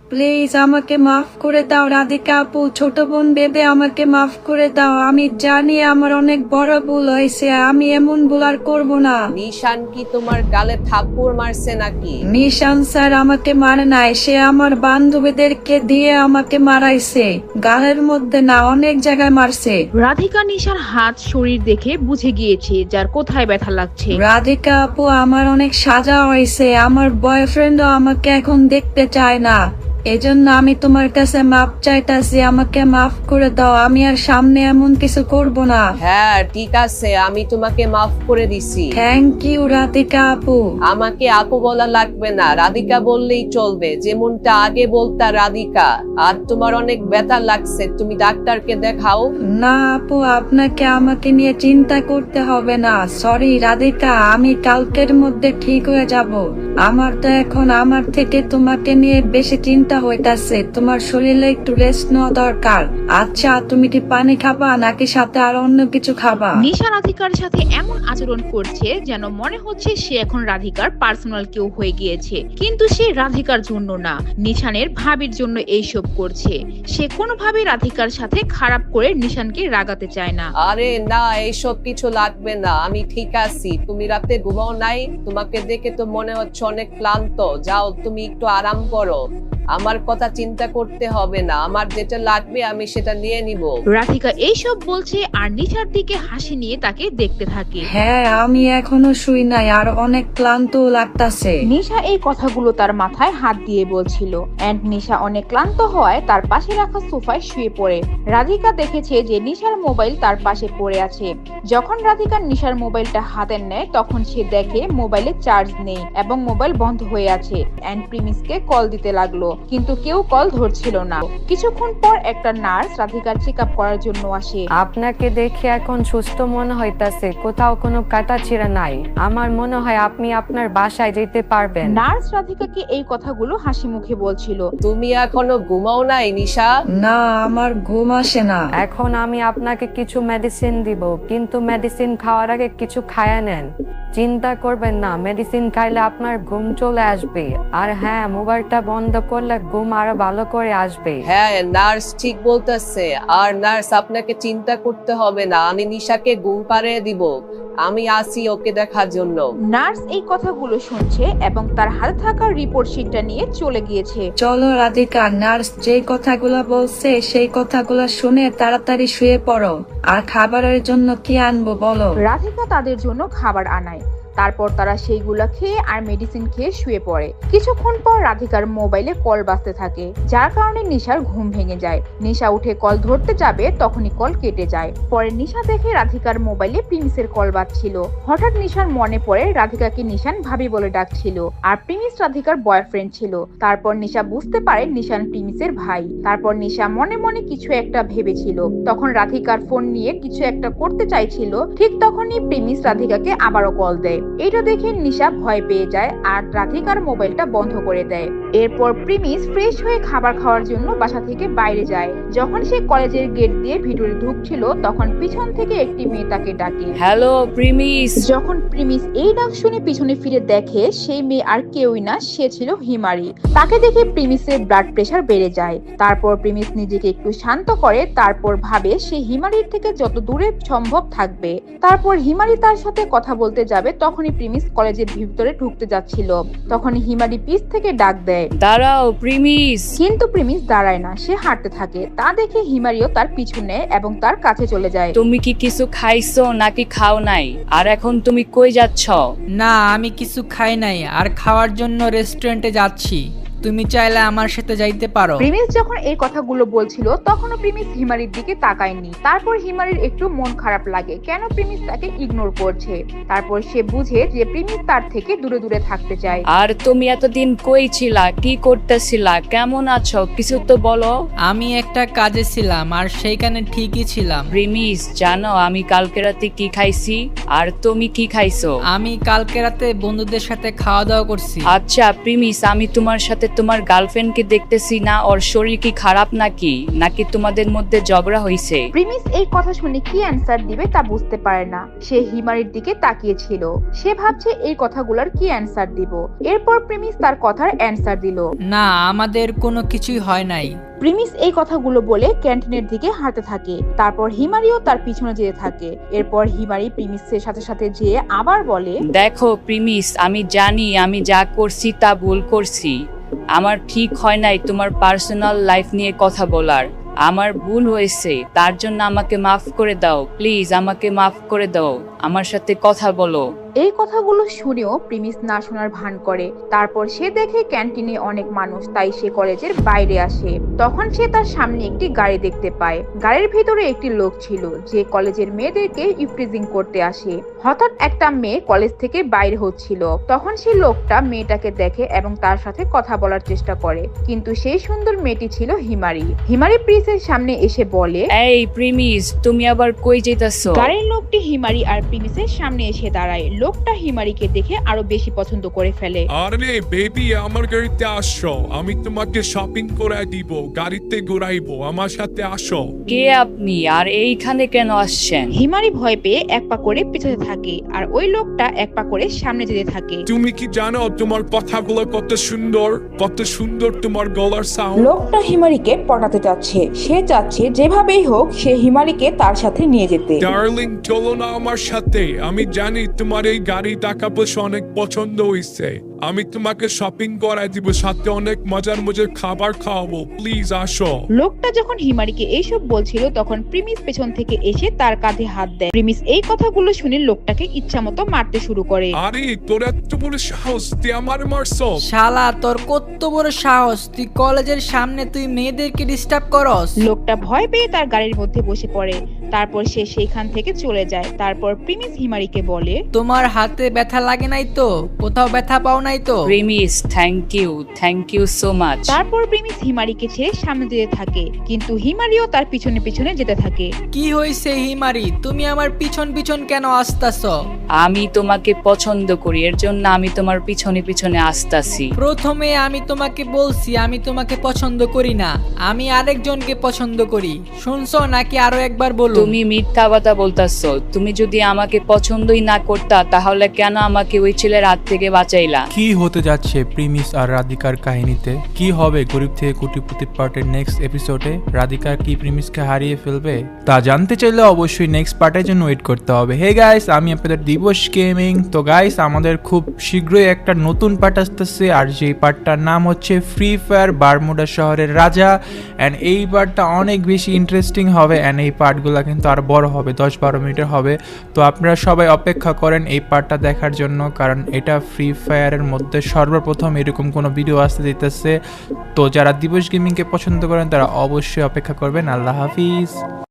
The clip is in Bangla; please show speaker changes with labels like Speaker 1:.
Speaker 1: প্লিজ আমাকে মাফ করে দাও রাধিকা আপু, ছোট বোন ভেবে আমাকে মাফ করে দাও। আমি জানি আমার অনেক বড় ভুল হয়েছে, আমি এমন ভুল আর করবো না।
Speaker 2: নিশান কি তোমার গালে থাপ্পড় মারছে নাকি?
Speaker 1: নিশান স্যার আমাকে মারে নাই, সে আমার বান্ধবীদেরকে দিয়ে আমাকে মারাইছে। গালের মধ্যে না, অনেক জায়গায় মারছে।
Speaker 3: রাধিকা নিশার হাত শরীর দেখে বুঝে গিয়েছে যার কোথায় ব্যথা লাগছে।
Speaker 1: রাধিকা আপু, আমার অনেক সাজা হয়েছে, আমার বয়ফ্রেন্ডও আমাকে এখন দেখতে চায় না, এজন্য আমি তোমার কাছে মাপ চাইতাছি, আমাকে মাফ করে দাও। আমি আর সামনে এমন কিছু করব না।
Speaker 2: হ্যাঁ ঠিক আছে, আমি তোমাকে মাফ করে দিছি।
Speaker 1: থ্যাংক ইউ রাধিকা আপু।
Speaker 2: আমাকে আপু বলা লাগবে না, রাধিকা বললেই চলবে, যেমনটা আগে বলতা রাধিকা। আর তোমার অনেক ব্যথা লাগছে, তুমি ডাক্তারকে দেখাও।
Speaker 1: না আপু, আপনাকে আমাকে নিয়ে চিন্তা করতে হবে না। সরি রাধিকা, আমি কালকের মধ্যে ঠিক হয়ে যাব। আমার তো এখন আমার থেকে তোমাকে নিয়ে বেশি চিন্তা হইতাছে, তোমার শরীরে একটু রেস্ট নেওয়া দরকার। আচ্ছা, তুমি কি পানি খাবা নাকি সাথে আর অন্য কিছু খাবা?
Speaker 3: নিশা রাধিকার সাথে এমন আচরণ করছে যেন মনে হচ্ছে সে এখন রাধিকার পার্সোনাল কেউ হয়ে গিয়েছে, কিন্তু সে রাধিকার জন্য না, নিশানের ভাবির জন্য এইসব করছে। সে কোনোভাবে রাধিকার সাথে খারাপ করে নিশানকে রাগাতে চায় না।
Speaker 2: আরে না, এইসব কিছু লাগবে না, আমি ঠিক আছি। তুমি রাতে ঘুমাও নাই? তোমাকে দেখে তো মনে হচ্ছে অনেক ক্লান্ত। যাও, তুমি একটু আরাম করো, আমার কথা চিন্তা করতে হবে না, আমার যেটা লাগবে আমি সেটা নিয়ে নিব।
Speaker 3: রাধিকা এইসব বলছে আর নিশার দিকে হাসি নিয়ে তাকে দেখতে থাকে।
Speaker 1: হ্যাঁ, আমি এখনো শুই নাই, আর অনেক ক্লান্ত লাগতাছে।
Speaker 3: নিশা এই কথাগুলো তার মাথায় হাত দিয়ে বলছিল, এন্ড নিশা অনেক ক্লান্ত হওয়ায় তার পাশে রাখা সোফায় শুয়ে পড়ে। রাধিকা দেখেছে যে নিশার মোবাইল তার পাশে পড়ে আছে। যখন রাধিকা নিশার মোবাইলটা হাতে নেয় তখন সে দেখে মোবাইলে চার্জ নেই এবং মোবাইল বন্ধ হয়ে আছে। এন্ড প্রিমিসকে কল দিতে লাগলো, কিন্তু কেউ কল ধরছিল না। কিছুক্ষণ পর একটা নার্স রাধিকার চেক আপ করার জন্য আসে।
Speaker 4: আপনাকে দেখে এখন সুস্থ মনে হইতাছে, কোথাও কোনো কাটা ছিঁড়া নাই। আমার মনে হয় আপনি আপনার বাসায় যেতে পারবেন।
Speaker 3: নার্স রাধিকাকে এই কথাগুলো হাসি মুখে বলছিল।
Speaker 2: তুমি এখনো ঘুমাও নাই নিশা?
Speaker 1: না, আমার ঘুম আসে না।
Speaker 4: এখন আমি আপনাকে কিছু মেডিসিন দিব, কিন্তু মেডিসিন খাওয়ার আগে কিছু খায়া নেন। চিন্তা করবেন না, মেডিসিন খাইলে আপনার ঘুম চলে আসবে। আর হ্যাঁ, মোবাইলটা বন্ধ করলে ঘুম আরো ভালো করে আসবে।
Speaker 2: হ্যাঁ, নার্স ঠিক বলতেছে। আর নার্স, আপনাকে চিন্তা করতে হবে না, আমি নিশাকে ঘুম পাড়িয়ে দিব, আমি আসি ওকে দেখার জন্য।
Speaker 3: নার্স এই কথাগুলো শুনছে এবং তার হাতে থাকা রিপোর্ট শিটটা নিয়ে চলে গিয়েছে।
Speaker 1: চলো রাধিকা, নার্স যে কথাগুলো বলছে সেই কথাগুলো শুনে তাড়াতাড়ি শুয়ে পড়ো। আর খাবারের জন্য কি আনবো বলো?
Speaker 3: রাধিকা তাদের জন্য খাবার আনায়, তারপর তারা সেইগুলা খেয়ে আর মেডিসিন খেয়ে শুয়ে পড়ে। কিছুক্ষণ পর রাধিকার মোবাইলে কল বাজতে থাকে, যার কারণে নিশার ঘুম ভেঙে যায়। নিশা উঠে কল ধরতে যাবে, তখনই কল কেটে যায়। পরে নিশা দেখে রাধিকার মোবাইলে প্রিমিসের কল বাজছিল। হঠাৎ নিশার মনে পড়ে রাধিকাকে নিশান ভাবি বলে ডাকছিল, আর প্রিমিস রাধিকার বয়ফ্রেন্ড ছিল। তারপর নিশা বুঝতে পারে নিশান প্রিমিসের ভাই। তারপর নিশা মনে মনে কিছু একটা ভেবেছিল। তখন রাধিকার ফোন নিয়ে কিছু একটা করতে চাইছিল, ঠিক তখনই প্রিমিস রাধিকাকে আবারও কল দেয়। এটা দেখে নিশা ভয় পেয়ে যায় আর রাধিকার মোবাইলটা বন্ধ করে দেয়। এরপর প্রিমিস ফ্রেশ হয়ে খাবার খাওয়ার জন্য বাসা থেকে বাইরে যায়। যখন সে কলেজের গেট দিয়ে ভিতরে ঢুকছিল তখন পিছন থেকে একটি মেয়ে তাকে ডাকে,
Speaker 2: হ্যালো প্রিমিস।
Speaker 3: যখন প্রিমিস এই ডাক শুনে পিছনে ফিরে দেখে সেই মেয়ে আর কেউই না, সে ছিল হিমারি। তাকে দেখে প্রিমিসের ব্লাড প্রেশার বেড়ে যায়। তারপর প্রিমিস নিজেকে একটু শান্ত করে, তারপর ভাবে সে হিমারির থেকে যত দূরে সম্ভব থাকবে। তারপর হিমারি তার সাথে কথা বলতে যাবে, তখনই প্রিমিস কলেজের ভিতরে ঢুকতে যাচ্ছিল। তখন হিমারি পিছ থেকে ডাক দেয়,
Speaker 2: দাঁড়াও প্রিমিস।
Speaker 3: কিন্তু প্রিমিস দাঁড়ায় না, সে হাঁটতে থাকে। তা দেখে হিমারিও তার পিছু নেয় এবং তার কাছে চলে যায়।
Speaker 5: তুমি কি কিছু খাইছো নাকি খাও নাই? আর এখন তুমি কই যাচ্ছ?
Speaker 6: না, আমি কিছু খাই নাই, আর খাওয়ার জন্য রেস্টুরেন্টে যাচ্ছি। তুমি চাইলে আমার সাথে যাইতে পারো।
Speaker 3: প্রিমিস যখন এই কথাগুলো বলছিল তখনও প্রিমিস হিমারির দিকে তাকায়নি। তারপর হিমারির একটু মন খারাপ লাগে, কেন প্রিমিস তাকে ইগনোর করছে। তারপর সে বুঝে যে প্রিমিস তার থেকে দূরে দূরে থাকতে চায়।
Speaker 5: আর তুমি এতদিন কই ছিলা, কি করতেছিলা, কেমন আছো, কিছু তো বলো।
Speaker 6: আমি একটা কাজে ছিলাম, আর সেইখানে ঠিকই ছিলাম।
Speaker 5: প্রিমিস, জানো আমি কালকে রাতে কি খাইছি? আর তুমি কি খাইছো?
Speaker 6: আমি কালকে রাতে বন্ধুদের সাথে খাওয়া দাওয়া করছি।
Speaker 5: আচ্ছা প্রিমিস, আমি তোমার সাথে তোমার গার্লফ্রেন্ডকে দেখতেছি না, ওর শরীর কি খারাপ নাকি নাকি তোমাদের মধ্যে ঝগড়া হয়েছে?
Speaker 3: প্রিমিস এই কথা শুনে কি অ্যান্সার দিবে তা বুঝতে পারে না। সে হিমারির দিকে তাকিয়েছিল। সে ভাবছে এই কথাগুলোর কি অ্যান্সার দিব। এরপর প্রিমিস তার কথার অ্যান্সার দিল।
Speaker 6: না, আমাদের কোনো কিছুই হয় নাই।
Speaker 3: প্রিমিস এই কথাগুলো বলে ক্যান্টিনের দিকে হাঁটতে থাকে। তারপর হিমারিও তার পিছনে যেতে থাকে। এরপর হিমারি প্রিমিসের সাথে সাথে যেয়ে আবার বলে,
Speaker 5: দেখো প্রিমিস, আমি জানি আমি যা করছি তা ভুল করছি। আমার ঠিক হয় নাই তোমার পার্সোনাল লাইফ নিয়ে কথা বলার। আমার ভুল হয়েছে, তার জন্য আমাকে মাফ করে দাও। প্লিজ আমাকে মাফ করে দাও, আমার সাথে কথা বলো।
Speaker 3: এই কথাগুলো শুনেও প্রিমিস না শোনার ভান করে। তারপর সে দেখে ক্যান্টিনে অনেক মানুষ, তাই সে কলেজের বাইরে আসে। তখন সে তার সামনে একটি গাড়ি দেখতে পায়। গাড়ির ভিতরে একটি লোক ছিল যে কলেজের মেয়েদেরকে ইফটিজিং করতে আসে। হঠাৎ একটা মেয়ে কলেজ থেকে বাইরে হচ্ছিল। তখন সেই লোকটা মেয়েটাকে দেখে এবং তার সাথে কথা বলার চেষ্টা করে, কিন্তু সেই সুন্দর মেয়েটি ছিল হিমারি। হিমারি প্রিমিসের সামনে এসে বলে,
Speaker 5: এই প্রিমিস, তুমি আবার কই যেতেছো?
Speaker 3: গাড়ির লোকটি হিমারি আর প্রিমিসের সামনে এসে দাঁড়ায়। লোকটা হিমারিকে দেখে আরো বেশি পছন্দ করে ফেলে।
Speaker 7: আরে বেবি, আমার গাড়িতে আসো, আমি তোমাকে শপিং করে দিব, গাড়িতে ঘুরাইবো, আমার সাথে আসো।
Speaker 5: কে আপনি আর এইখানে কেন আসছেন?
Speaker 3: হিমারি ভয় পেয়ে এক পা করে পিছনে থাকে আর ওই লোকটা এক পা করে সামনে যেতে থাকে।
Speaker 7: তুমি কি জানো তোমার কথাগুলো কত সুন্দর, কত সুন্দর তোমার গলার সাউন্ড।
Speaker 3: লোকটা হিমারিকে পটাতে চাচ্ছে। সে চাচ্ছে যেভাবেই হোক সে হিমারিকে তার সাথে নিয়ে যেতে।
Speaker 7: ডার্লিং, চলো না আমার সাথে। আমি জানি তোমার এই গাড়ি টাকা পয়সা অনেক পছন্দ হয়েছে। আমি তোমাকে শপিং করাই দিব, সাথে অনেক মজার মজার খাবার খাওয়াবো। প্লিজ আসো।
Speaker 3: লোকটা যখন হিমারিকে এইসব বলছিল তখন প্রিমিস পেছন থেকে এসে তার কাঁধে হাত দেয়। প্রিমিস এই কথাগুলো শুনে লোকটাকে ইচ্ছামতো মারতে শুরু করে।
Speaker 7: আরে তোর এত বড় সাহস, তুই আমার মারছো?
Speaker 6: শালা, তোর কত বড় সাহস! তুই কলেজের সামনে তুই মেয়েদেরকে ডিস্টার্ব করস?
Speaker 3: লোকটা ভয় পেয়ে তার গাড়ির মধ্যে বসে পড়ে। তারপর সে সেইখান থেকে চলে যায়। তারপর প্রিমিস হিমারিকে বলে,
Speaker 6: তোমার হাতে ব্যথা লাগে নাই তো? কোথাও ব্যথা পাও নাই তো?
Speaker 5: প্রিমিস, থ্যাংক ইউ সো মাচ।
Speaker 3: তারপর প্রিমিস হিমারিকে ছেড়ে সামনে যেতে থাকে, কিন্তু হিমারিও তার পিছনে পিছনে যেতে থাকে।
Speaker 6: কি হয়েছে হিমারি, তুমি আমার পিছন পিছন কেন আসতাছ?
Speaker 5: আমি তোমাকে পছন্দ করি, এর জন্য আমি তোমার পিছনে পিছনে আসতাছি।
Speaker 6: প্রথমে আমি তোমাকে বলছি আমি তোমাকে পছন্দ করি না, আমি আরেকজনকে পছন্দ করি। শুনছো নাকি আরো একবার বলো?
Speaker 5: তুমি মিথ্যা কথা বলতাছো। তুমি যদি আমাকে পছন্দই না করতা তাহলে কেন আমাকে ওই ছেলের হাত থেকে বাঁচাইলা?
Speaker 8: কি হতে যাচ্ছে প্রিমিস আর রাধিকার কাহিনীতে? কি হবে গরিব থেকে কোটিপতি পার্টের নেক্সট এপিসোডে? রাধিকা কি প্রিমিসকে হারিয়ে ফেলবে? তা জানতে চাইলে অবশ্যই নেক্সট পার্টের জন্য ওয়েট করতে হবে। হে গাইস, আমি আপনাদের দিবস গেমিং। তো গাইস, আমাদের খুব শীঘ্রই একটা নতুন পার্ট আসতেছে, আর যেই পার্টটার নাম হচ্ছে ফ্রি ফায়ার বারমুডা শহরের রাজা। অ্যান্ড এই পার্টটা অনেক বেশি ইন্টারেস্টিং হবে। অ্যান্ড এই পার্টগুলো কিন্তু আর বড় হবে, 10-12 মিনিটের হবে। তো আপনারা সবাই অপেক্ষা করেন এই পার্টটা দেখার জন্য, কারণ এটা ফ্রি ফায়ারের মধ্যে সর্বপ্রথম এরকম কোনো ভিডিও আসতে দিতেছে। তো যারা দিবস গেমিংকে পছন্দ করেন তারা অবশ্যই অপেক্ষা করবেন। আল্লাহ হাফিজ।